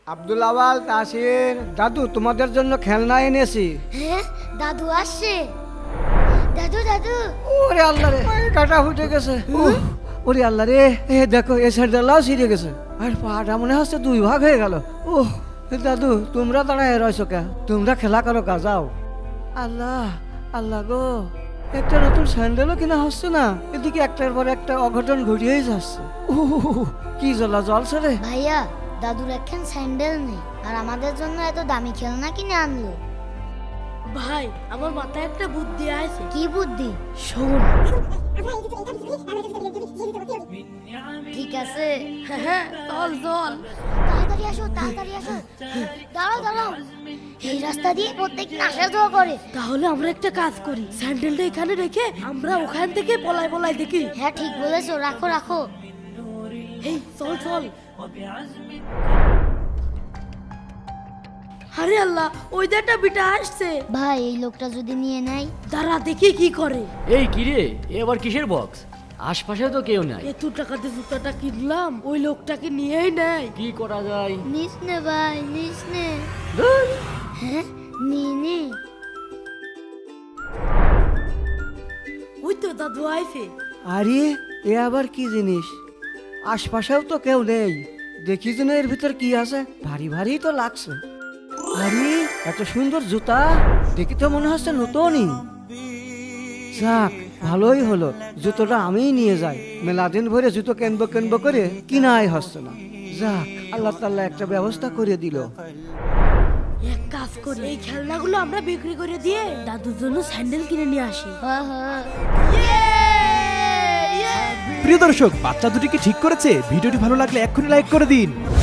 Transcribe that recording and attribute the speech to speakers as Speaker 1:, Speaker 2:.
Speaker 1: আব্দুল আওয়াল, তাসির, দাদু তোমাদের জন্য খেলনা এনেছি।
Speaker 2: হ্যাঁ দাদু আসছে। দাদু দাদু
Speaker 1: ওরে আল্লাহ রে, কাটা ফুটে গেছে। ওরে আল্লাহ রে, এ দেখো এ সাইডটাও ছিঁড়ে গেছে, আর পাটা মনে হচ্ছে দুই ভাগ হয়ে গেল। দাদু তোমরা দাঁড়ায় রয়েছো কে? তোমরা খেলা করো কা, যাও। আল্লাহ আল্লাহ গো, একটা নতুন স্যান্ডেলও কিনা হচ্ছে না, এদিকে একটার পর একটা অঘটন ঘটিয়েই যাচ্ছে। কি জ্বলা জলছে রে।
Speaker 2: ভাইয়া দাদুর একখান স্যান্ডেল নেই, আর আমাদের জন্য এত দামি খেলনা কিনে আনলো।
Speaker 3: ভাই আমার মাথায় একটা বুদ্ধি আছে।
Speaker 2: কি বুদ্ধি?
Speaker 3: শোন।
Speaker 2: ঠিক আছে,
Speaker 3: হ্যাঁ চল চল।
Speaker 2: তাড়াতাড়ি আসো তাড়াতাড়ি আসো। দাঁড়াও দাঁড়াও, এই রাস্তা দিয়ে প্রত্যেকদিন আসা যাওয়া করে।
Speaker 3: তাহলে আমরা একটা কাজ করি, স্যান্ডেলটা এখানে রেখে আমরা ওখান থেকে পলাই পলাই দেখি।
Speaker 2: হ্যাঁ ঠিক বলেছো, রাখো রাখো।
Speaker 3: এই চল চল। আরে আল্লাহ, ওই একটা বিটা আসছে।
Speaker 2: ভাই এই লোকটা যদি নিয়ে নেয়?
Speaker 3: দাঁড়া দেখি কি করে।
Speaker 4: এই কিরে, এ আবার কিসের বক্স? আশপাশে তো কেউ নাই।
Speaker 3: এত টাকাতে জুতাটা কিনলাম, ওই লোকটাকে নিয়েই নেয়।
Speaker 4: কি করা যায়?
Speaker 2: নিস নে ভাই, নিস নে।
Speaker 4: ধুর,
Speaker 2: হ্যাঁ নিয়ে নে।
Speaker 3: ওই তো দাদু আইছে।
Speaker 1: আরে এ আবার কি জিনিস? আশপাশেও তো কেউ নেই, দেখি যেন এর ভিতর কি আছে। ভারী ভারী তো লাগছে। আরে এত সুন্দর জুতা, দেখি তো মনে হচ্ছে নতুনই। যাক ভালোই হলো, জুতোটা আমিই নিয়ে যাই। মেলাদিন ভরে জুতো কেনবো কেনবো করে কিনাই হচ্ছে না। যাক আল্লাহ তাআলা একটা ব্যবস্থা করে দিল।
Speaker 3: এক কাজ করি, এই খেলনাগুলো আমরা বিক্রি করে দিয়ে দাদুর জন্য স্যান্ডেল কিনে নিয়ে আসি।
Speaker 2: হ্যাঁ হ্যাঁ।
Speaker 5: প্রিয় দর্শক, বাচ্চা দুটি কি ঠিক করেছে? ভিডিওটি ভালো লাগলে এক্ষুনি লাইক করে দিন।